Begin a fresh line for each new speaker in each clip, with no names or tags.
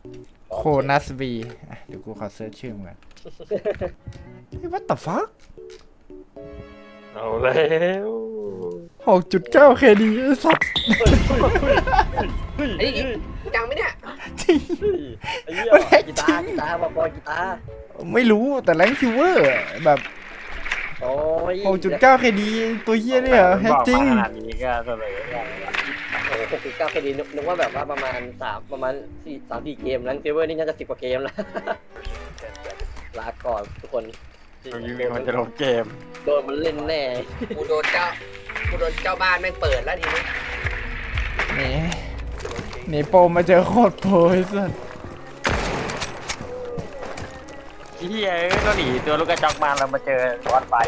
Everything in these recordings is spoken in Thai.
โคนัสบีเดี๋ยวกูขอเซิร์ชชื่อมึงก่อนเฮ้ย what the fuck
เอาแล้ว
6.9 KD ไอ้สัตว์
ไอ้นี่จังไหมเนี่ย
จริง
ไอ้เหี้ย
มันแฮก
กี
จ
ตา
ริง
ร์กีตาร์มาปอยกีตาร์
ไม่รู้แต่แรงคิวเวอร์แบบ
โอ้ย
6.9 KD ตัวเฮียเนี่ยแฮกจริง
บอกมาขนาดนี้ก็เสมอได้
โอ้โห6.9 KD นึกว่าแบบว่าประมาณ3-4 เกมนั้นเซเวอร์นี่น่าจะ10 กว่าเกมแล้วลาก่อนทุกคน
ตรงนี้มันจะลงเกม
โดนมันเล่นแน่
กูโดนเจ้าบ้านแม่งเปิดแล้วทีนี้
หนีโปรมาเจอโคตรโปรไอ้สัส
เฮียก็หนีตัวลูกกระจอกมาแล้วมาเจอวัดไฟ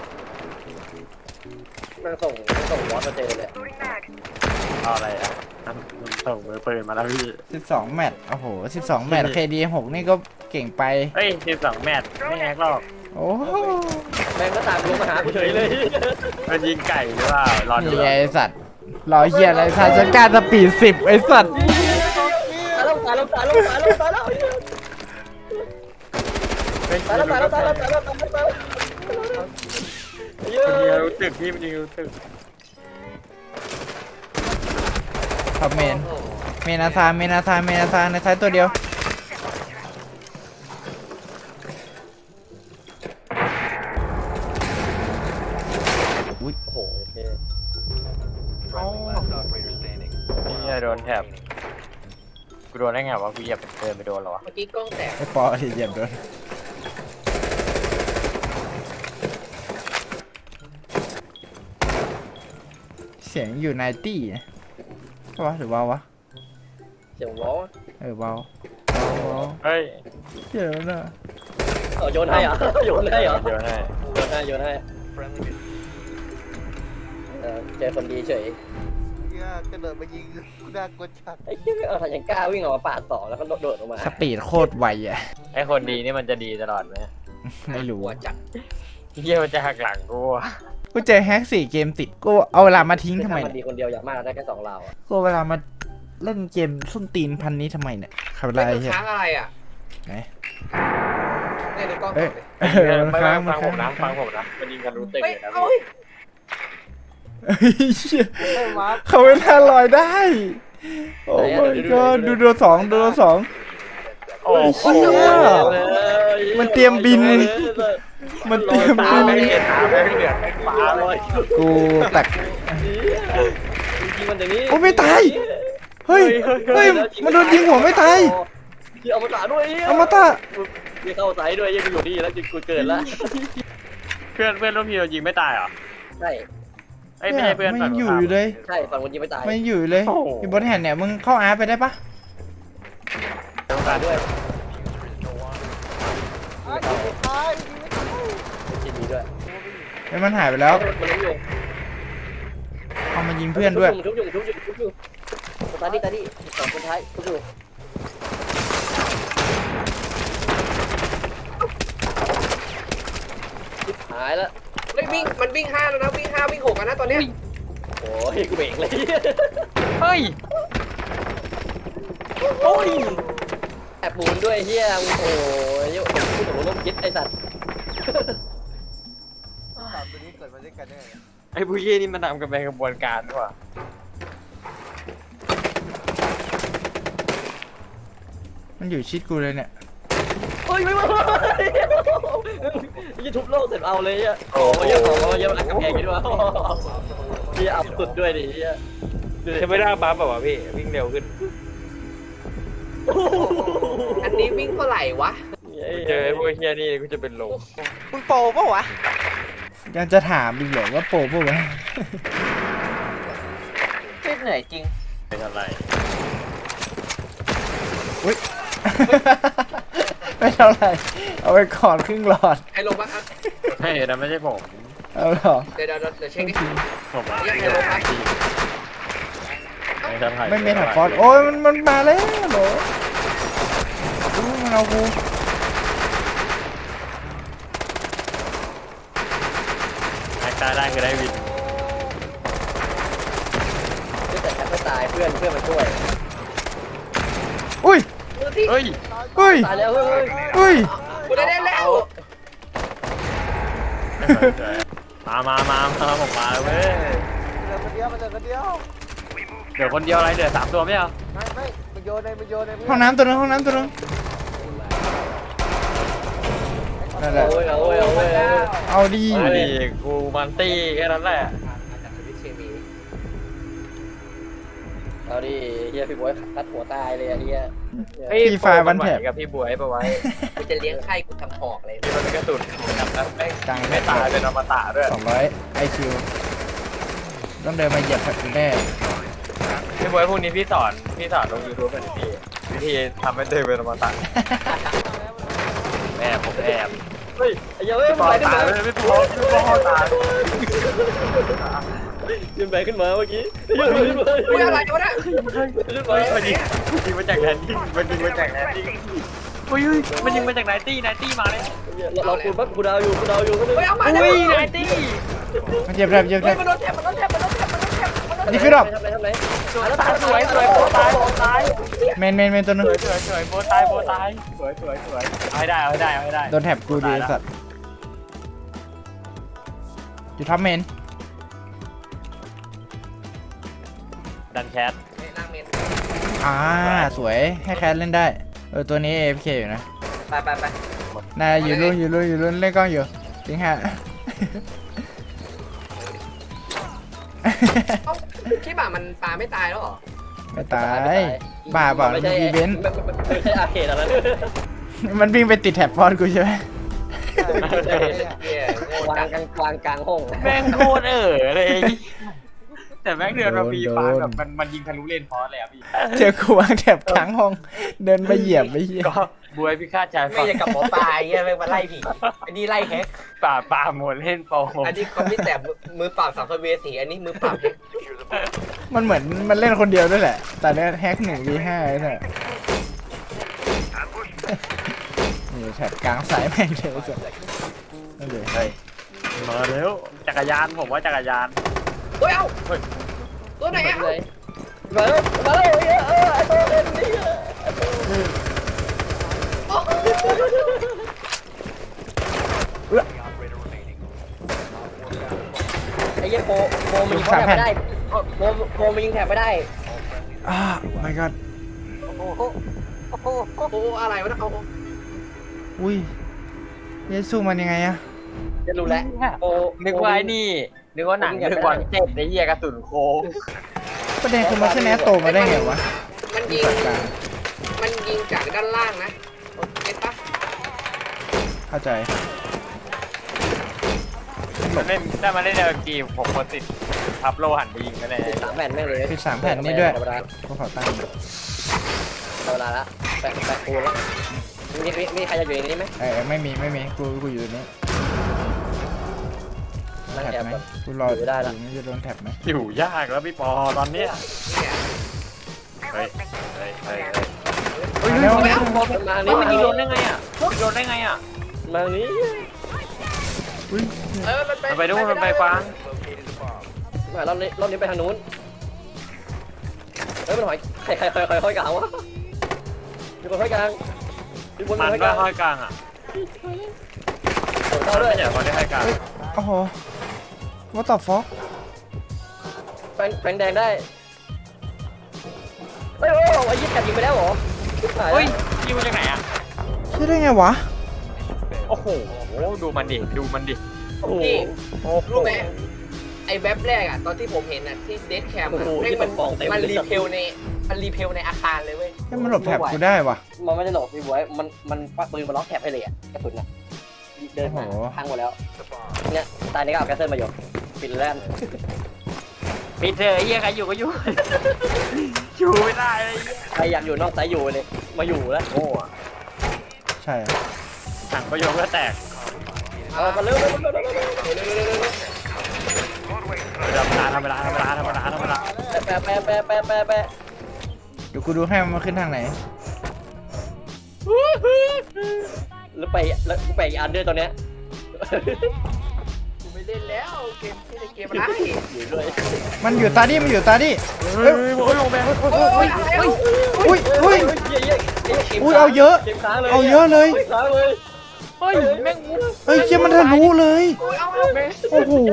มันส่งวอสมาเจอเลย
เอาอะไรอ่ะส่งมือปืนมาแล้วพี่
12 แมตช์โอ้โห 12 แมตช์ KD 6 นี่ก็เก่งไป
เฮ้ย12 แมตช์ไม่แฮกหรอก
โอ้โห
แม่งก็ตามลงมาหากูเฉยเลย
มันยิงไก่หรือเปล่ารอดู
นี่ไงไอ้สัตว์รอเฮียอะไรสัตว์ฉันกล้าสปีด10ไอ้สัตว์
ตายแล้วตายแล้วตายแล้วตายแล้วตายแล้ว
ไม่
ตายแล้วตายแล้วตายแล้วตายแล้วตายแล้วเย
มันยิง
อะ
รู้ตึกพี่มันยิงรู้ตึก
ท็อปเมนาซาในซ้ายตัวเดียว
โอ้โหโอเค
นี่โดนแถบกูโดนได้ไงวะกูเหยียบเดินไปโดนเหรอวะ
เมื่อกี้กล้องแตก
ไอ้ปอที่เหยียบโดนเสียงอยู่ในตี้นะใช่ปะหรือเบาวะ
เสียงล้อ
เบา
เฮ้ย
เดี๋ยวนะ
โยนให้เหรอโยนให้เหรอ
เดี๋ยวให้
โยนให้เจอคนดีเฉย
ก็เดินมายิงกูน่ากลัวจัด
ไอ้เหี้ยยังกล้าวิ่งออกมาปาดต่อแล้วก็โดดออกมา
สปีดโคตรไวอ่ะ
ไอคนดีนี่มันจะดีตลอดไหม
ไม่รู้
หัวจัด
เฮียมันจะหักหลังกูอะ
กูเจอแฮก4 เกมติดกูเอาเวลามาทิ้งทำไม
มันดี
เนี่ย
คนเดียวอย่างมากได้แค่2 ราวอ่ะ
กูเอาเวลามาเล่นเกมส้นตีนพันนี้ทำไมเนี่ยขับอะไร
ไม่
เหี้ย
ค้างอะไรอ่ะ
ไหน
เนี่ยดูกล้อง
เอ้
ก่
ย
อนเลย
มัน
ไม่
ค้าง
ฟัง
ค้า
ผมนะฟังผมนะมันยิงกันรู้ตึก
เฮ้ย
เลยนะ
เอ้
พี่
ย
เฮ้ยเหี้ยเขาเวลาลอยได้ โอ้ my god ดูตัวสอง
โอ้โห
มันเตรียมบิน มันเตรียม
ตา
บิน
ไม่เห็นตาไม่เหลือไม่ฟ้าเลย
กูแตก
ยิงมันอย่างนี้
โอ้ไม่ตาย เฮ้ย มันโดนยิงหัวไม่ตาย
ที่เอามาตาด้วย
เอามาตา
ที่เข้าใส่ด้วยยังอยู่นี่แล้วจิกูเกิดแล้ว
เพื่อนร่วมทีมเรายิงไม่ตายเหรอ
ใช่
ไอ้ไม่ใช่เพื่อน
มัน
ฝั่
ยัง งอยู่อยู่เลย
ใช่ฝั่งคนยิงไม่ตาย
มันยังอยู่อยู่เลยอยู่บนแห่นเนี่ยมึงเข้าอาร์ไปได้ปะ
ตายด้วย
ท้าย
ยิงดีด้วย
ไอ้มันหายไปแล้ว
มันล้มอยู่
เอามายิงเพื่อนด้วย
ทุบอยู่คนท้ายนี่สองคนท้ายทุบอยู่หายแล้ว
เฮ้ยวิ่งมันวิ่ง5แล้วนะวิ่ง5วิ่ง6กันนะตอนเนี้ย
โอ้ยกูเบรกเลย
เฮ้ย
โอ้ยแอบปูนด้วยเฮียโอ้ยโอ้โหล้มคิดไอสัตว์
สามตัวนี้เกิดมาด้วยกันได้ไง
ไอ้ผู้เย่นี่มันทำกันเป็นกระบวนการด้วยว่ะ
มันอยู่ชิดกูเลยเนี่ย
เฮ้ยไม่มายี่ทุบโลกเสร็จเอาเลยอ่ะโอ้ยเยอะมันกำแพงกันด้วยพี่เอาสุดด้วยดิเฮีย
จะไม่ได้บัฟแบบว่ะพี่วิ่งเร็วขึ้น
อันนี้วิ่งเท่าไหร่วะ
เจอไอ้พวกเฮียนี่กูจะเป็นลม
มึงโปรปะวะ
ยังจะถามอีกเหรอว่าโปรปะวะ
เหนื่อยจริง
เป็นอะไร
ไม่เท่าไหร่เอาไปก่อนครึ่งหลอด
ใครลงบ้างครับ
ใช่แต่ไม่ใช่ผม
เอาหรอ
เดี๋ยวเช็คดิ
ผมอะ
ยังไงลงครับ
ไม่เมทัลฟอสโอ้ยมันมาแล้วเหรออู้มันเอากู
แม็กตายได้คือได้วิน
แต่แทบไม่ตายเพื่อนมาช่วย
อุ้ย
ตัวที่
เฮ้ย
เฮ้ย
ตายแล้วเฮ้ย
เฮ้ย
กูได้แล้ว
มาผมมาเว้ย
เดินคนเดียวมันเดินคนเดียว
เดี๋ยวคนเดียวอะไรเดี๋ยว3 ตัวไม่เอา
ไม่มันโยนใน
ห้องน้ำตัวนึงห้องน้ำตัวนึงนั่นแหละ
โอ้ยโอ้ยโอ้ย
เอาดี
มาดิกูมันตี้แค่นั้นแหละ
จากสวิตช์เคมี
เอาดิเฮียพี่บอยคัดหัวตายเลยอะเฮีย
พี่ไฟล์วันแถบ
กับพี่บวยไปไว้
กูจะเลี้ยงไข่กูทำหอกเลย
ที่มันเป็นกระสุนกับแม่ง
กลาง
ไม่ตายเป็นอมตะด้วย
200 IQ ต้องเดินมาเหยียบแผลกูแน่
พี่บวยพวกนี้พี่สอนลง YouTube เป็นพี่วิธีทำให้ตัวเองเป็นอมตะผมแอบ
เฮ้ยไอ้เหี้ยเฮ้ย
พี่ปอ
ไปขึ้น
ตาย
มา
เลยพี่ปอตาย
ยืนไปขึ้นมาเมื่อกี้ยืนไปขึ้นมา
กูอะไรวะเนี่ย
ขึ้นมา
มันยิงมาจากแลนดิ้งมันยิงมาจากแลนดิ้งอุ้ยมันยิงมาจากไนตี้มาเลย
เราคูณปั๊บกูดาวอยู่ก็เลย
เฮ้ยเอามา
อุ้ยไนตี้
มันเหยียบแผลเหยียบแผล
เฮ้ยมันโดนแทบมันโดนแทบมันโดนแทบมันโดนแทบมันโดนแทบ
นี่คือดอก
ทำไร
สวยโบตาย
เมนตัวนึง
สวยโบตายสวยเอาให้ได้
โดนแถบกูดีไอ้สัตว์อยู่ท็อปเมน
ดันแคท
ล่างเมน
สวยให้แคสเล่นได้ตัวนี้ AFK อยู่นะ
ไป
นายอยู่รุ่นเล่นกล้องอยู่จริงฮะ
เอ้าคิดว่ามันปลาไม่ตายแล้วเหรอ
ไม่ตายบ้าเปล่ามันอีเวนต์
ไม่ใช่อาร์เคดอะไร
มันวิ่งไปติดแถบฟอนกูใช่ไหม
เหี้ยโง่
วา
จั
ง
ง
กลางห้อง
แม่งโคตรเลยแต่แม่งเดินมาปีฟ้าแบบมันยิงทะลุเลนพอสเลยอ่ะพี่
เจอกูวางแถบค้างห้องเดินไปเหยียบไปเหี้ย
ก็บวยพี่คาดใจ
ไม่ใช่กับหมอปลาเงี้ยแม่งมาไล่ผีอันนี้ไล่แฮก
ป่าหมดเล่นโป
อันนี้เขาไม่แต่มือปราบสัมภเวสีอันนี้มือปราบแฮก
มันเหมือนมันเล่นคนเดียวด้วยแหละ แต่เนี้ยแฮก1v5เนี่ยนี่แถบกลางสายแม่งเลยสุดนั่นเลย
มาเร็วจักรยานผมว่าจักรยาน
เฮ้ยเอ้าตัวไหนอ่ะ
มาแล้วไอ้ตัวเล่นนี่ไอ้เหี้ยโปมันยิงแถบไม่ได้โปมันยิงแถบไม่ได้
my god
โอ้อะไรวะเนี่ยเอา
อุ้ยเยซูมันยังไงอะ
จะรู้แล้วโป
นึกว่าไอ้นี่นึกว่าหนังนึกว่าเจ็บไอ้เหี้ยกระสุนโค้ง
ประเด็นคือมันขึ้นแอตโตมาได้ไงวะ
มันยิงจากด้านล่างนะเก็ตปะ
เข้าใจ
มันเล่นได้มาเล่นในเกมผมคนติดทับโลหันไปยิงกันเลย
3 แผ่นแม่งเลย
ปิด3แผ่นนี่ด้วยกูขอตั้ง
เวลาละแปะปูแล้วมีใครจะอยู่ในนี้ไหม
ไม่มีกูอยู่นี่
นั่ง
แท็บ
แอบ
ไหม
ก่อน
กูรอ
อยู่ได้ละ
ไม่จะโดนแท็บไหม
อยู่ยากแล้วพี่ปอตอนเนี้ย
เนี่ย
เฮ้ย
แล้ว
มา
นี่
นี่
มัน
มา
ยิง
นี่
โดนได้ไงอ่ะโดนได้ไงอ่ะ
มานี่
อุ้ย
มันไปนู่นมันไปกวาง
มารอบนี้ไปทางนู้นเฮ้ยมันหอยใครห้อยกลางวะมีคนห้อยกลางมีคน
มัน
ห้อยก
ก็
ลาง
ห้อยกลางอ่ะ
เข้าด้วย
ไม่ใช่คนที่ห้อยกลาง
โอ้โหว่าต่อฟอก
แฟงแดงได้เฮ้ยไอ้ยี่แถบยิงไปแล้วเหรอ
เฮ้ยยิงมาจากไหนอ่ะ
ใช่ได้ไงวะ
โอ้โหดูมันดิ
โอ้โห
นี่รู้ไหมไอ้แว็บแรกอ่ะตอนที่ผมเห็นอ่ะที่เดสแคมมันรีเพลในอาคารเลยเว้ย
ให้มันหลบแท็บกูได้วะ
มันไม่ได้หลบพี่บวยมันปักปืนมาล็อกแถบให้เลยอ่ะกระสุนอ่ะเดินมาพังหมดแล้วเนี่ยตายในก็เอาแคสเซิลมาอยู่ปิดแล้ว
ปิดเถอะไอ้เหี้ยใครอยู่ก็อยู่ อยู่ไม่ได้เลย
ใครอยากอยู่นอกสายอยู่เลยมาอยู่แล้ว
โง่อะ
ใช่
สั่งประโยชน์ก็แตก
เอามาเร็ว
ธรรมดา
แปะ
เดี๋ยวกูดูให้มันขึ้นทางไหน
แล้วไปอีกอันด้วยตอนเนี้ย
กูไม่เล่นแล้วเกมที่ในเกมอะไร
อยู่ด้วย
มันอยู่ตาดิ
เฮ้ยโอ้ยลงไป
โอ้ยอะไรอ่ะ
อุ้ย
เย้
อุ้ยเอาเยอะ
เกมค้างเลย
เอาเยอะเลย
กมค้างเลย
เฮ้ยแม่ง
เฮ้ยเชี่ยมันทะลุเลย โอ้โห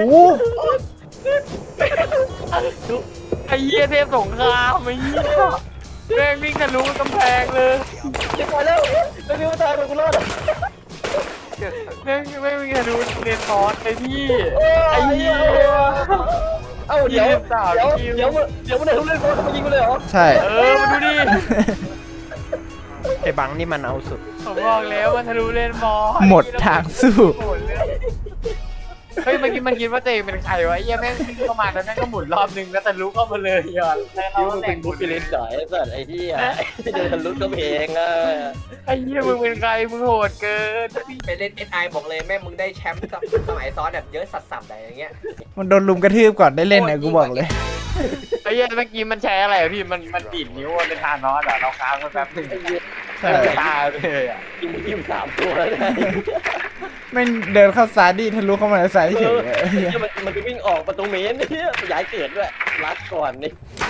ไอ้เหี้ยเทพสงครามไอ้เหี้ยแม่งวิ่งทะลุกำแพงเลย
เก็บไปแล้วไม่มีว่าตายกูรอด
แม่งวิ่งทะลุเรียนคอร์สไอ้พี่ไอ้เหี้ย
เอ้าเดี๋ยวมันได้ทุกเรื่องเขามายิงกูเลยเหรอ
ใช่
มาดูดิ
ไอ้บังนี่มันเอาสุด
ผมบอกแล้วมันทะลุเรียนบอล
หมดทางสู้
เฮ้ยเมื่อกี้มันคิดว่าตัวเองเป็นใครวะไอ้เหี้ยแม่งวิ่งเข้ามาแล้วแม่งก็หมุนรอบนึงแล้วทะลุเข้ามาเลยอ่ะแล้ว
คิว
เรา
มึง
แหล
เป็น
กห
บุ๊
มุ
คน ฟิลิปจ่ายไอ้สัตว์ไอ้ที่เดินทะลุก็เพลงอ่ะ
ไอ้เหี้ยมึงเป็นใครมึงโหดเกิน
ไปเล่น SI บอกเลยแม่มึงได้แชมป์กับสมัยซ้อนแบบเยอะสัสๆอะไรอย่างเงี้ย
มันโดนลุมกระทืบก่อนได้เล่นเนี่ยกูบอกเลย
ไอ้เหี้ยเมื่อกี้มันแชร์อะไรพี่มันดีดนิ้วเป็นทานอสอ่ะเราค้างมันแป๊บนึง
ใช่
ตาเลยอ่ะ
กิน3 ตัวแล้วนะ
ไม่เดินเข้าซ้ายดีทะลุเข้ามาในซ้ายเฉยเลย
มันจะวิ่งออกประตูเมนเนี่ยย้ายเกิดด้วยรัดก่อนนี่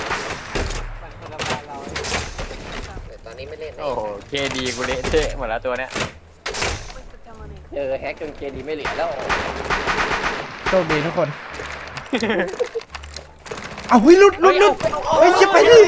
แต่ตอนนี้ไม่เล่น
โอ้โหเคดีกูเละเทะหมดแล้วตัวเนี้ย
แฮกจนเกดีไม่เหลือแล้ว
โชคดีทุกคน เอาเฮ้ยหลุดเฮ้ยจะไปดิ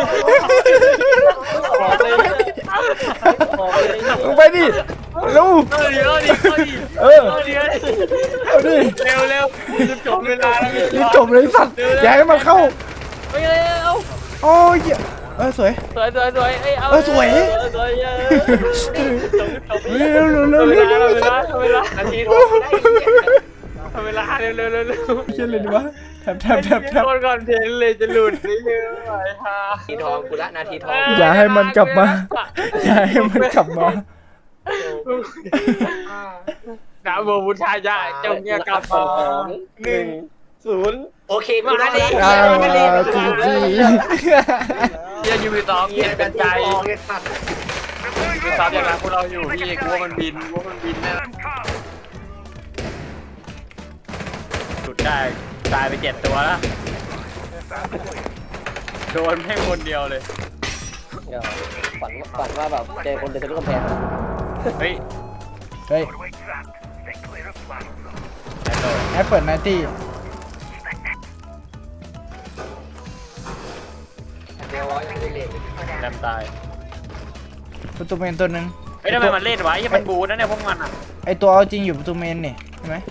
บอกเลยบอกเลย
มึงไปดิเร็ว
เดี๋ยวดิ
เออ
เดี๋ยว
เอาดิ
เร็วจะจบเวลาแล้ว
รีบจบเลยสัตว์อย่าให้มันเข้า
ไปเร็ว
โอ้ยสวย
สวยเอ้ยเอา
สวย
สวย
เร็ว
เวลา
นาทีทองได้
เวลาเร็ว
เชี่ยเลยดีวะแทบ
คนก่อนเพลนเลยจะหลุดนี่เลยไอ้ห่า
นาทีทองกูละนาทีทอง
อย่าให้มันกลับมา อย่าให้มันกลับมา
นะโมพุทธายะจงเนี่ยกลับมา
1-0
โอเคกูละดิ
อ่าจีจี
เฮียยูบี2เห็นเป็นใจ
เลยสัตว์
ยูซับอย่างนั้นพวกเราอยู่พี่กลัวมันบินแน่สุดได้ตายไป7 ตัวแล้วโดนแค่คนเดียวเลย
ฝันว่าแบบเจอคนเดินทะลุกำแพง
เฮ้ย
เฮ้ยแอปเปิลไนตี้
เดี๋ยวร้อยยังไม่เล่น
แรมตาย
ประตูเมนตัวหนึ่ง
เฮ้ยทำไมมันเล่นวะยังมันบูนะเนี่ยพวกมันอ่ะ
ไอตัวเอาจริงอยู่ประตูเมนนี่ใช่ไหม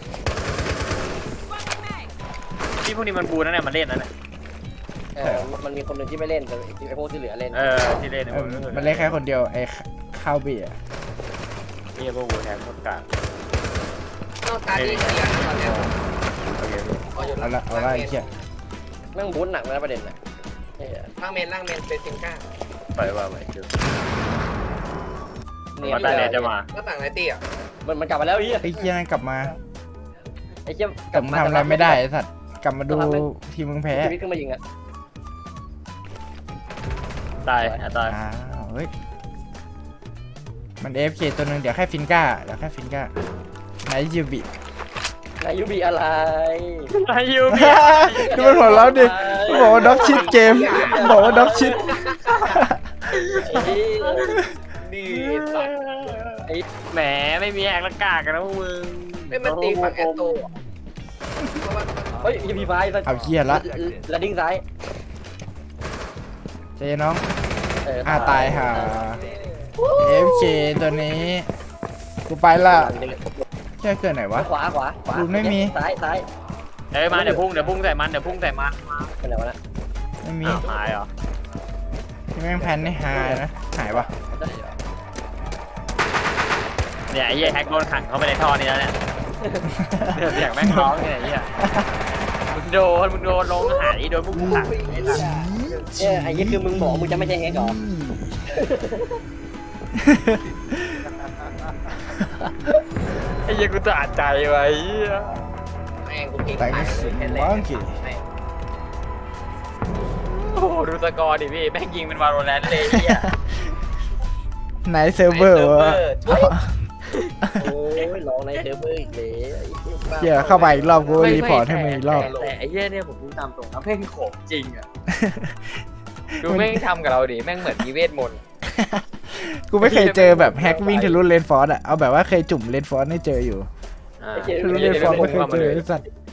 ที่พวกนี้มันบูนะเนี่ยมันเล่นนะเนี่ย
มันมีคนหนึ่งที่ไม่เล่นแต่ไอ้พวกที่เหลือเล่น
ที่เล่นเนี่ย
มันเล่นแค่คนเดียวไอข้าวเบียร์
นี่พวกบูแทนพวกกลาง
นอกการที่เคลียร์นะตอนเนี้ย
โอเค
เอาละไอ้เชี่ย
แม่งบู๊หนักนะประเด็นน่ะ
ล่างเมนเป็นซิงก้า
ไปว่าไปคือมาตาเนี่ยจะมา
หน้าต่างไรตี้อ่ะ
มันกลับมาแล้วไอ้เหี้ย
ไอ้เชี่ยนั่นกลับมา
ไอ้เหี้ย
แต่มึงทำอะไรไม่ได้ไอ้สัตว์กลับมาดูทีมมึงแพ้
ชีวิตขึ้นมายิงอ่ะ
ตายตาย
อ้าวเฮ้ยมัน AFK ตัวหนึงเดี๋ยวแค่ฟินก้าไหนยูบิ
นายยูบีอะไร
อายุ
ดูมันหัวเราะดิมันบอกว่าด็อกชิดเกมมันบอกว่าด็อกชิด
ดีสัตว์
แหมไม่มีแอกละกากันนะพวกมึง
ไม่มันตีฝั่งแอตโต
เฮ้ยยูบีไฟ
เอาเหี้ยละ
แล้วดิ้งซ้าย
เจน้องตายห่า AFK ตัวนี้กูไปละแค่เกิดไหนวะ
ขวาซ้าย
เอ้ยมาเดี๋ยวพุ่งใส่มัน
เป็นไรวะนะ
ไม่มี
หายเหรอ
ที่แม่งแพนให้หายนะหายวะ
เนี่ยไอ้เหี้ยแฮกโดนขังเข้าไปในท่อนี้แล้วเนี่ยเสียงแม่งร้องเนี่ยไอ้เหี้ยมึงโดนลงหายโดนพวกกูขัง
ไอ้ยี่คือมึงบอกมึงจะไม่ใช่แฮกหรอ
ไอ้เหี้ยกูจะอัดใจไว้
แม่งกูเก่ง
แต่ง
ไป
สิ
เลย
มังกี้
โอ้โหดูสกอร์ดิพี่แม่งยิงเป็นวาโลแรนต์เลยไอ้เหี้ย
ไหนเซิร์ฟเวอร์วะ
โอ้ยร้องในเซิร์ฟเวอร์อีกเลย
เหี้ยเข้าไปอีกรอบกูรีพอร์ตให้มึงอีกรอบ
แต่ไอ้เหี้ยเนี่ยผมพูดตามตรงนะแม่งโขมจริงอ่ะดูแม่งทำกับเราดิแม่งเหมือนมีเวทมนต์
กูไม่เคยเจอแบบแฮกวิ่งทะลุเลนฟอร์สอะเอาแบบว่าเคยจุ่มเลนฟอร์สให้เจออยู่
อ่า
ไอ้เจ
ทะลุเลนฟอร์สไม่เคยเจอไอ้สัตว์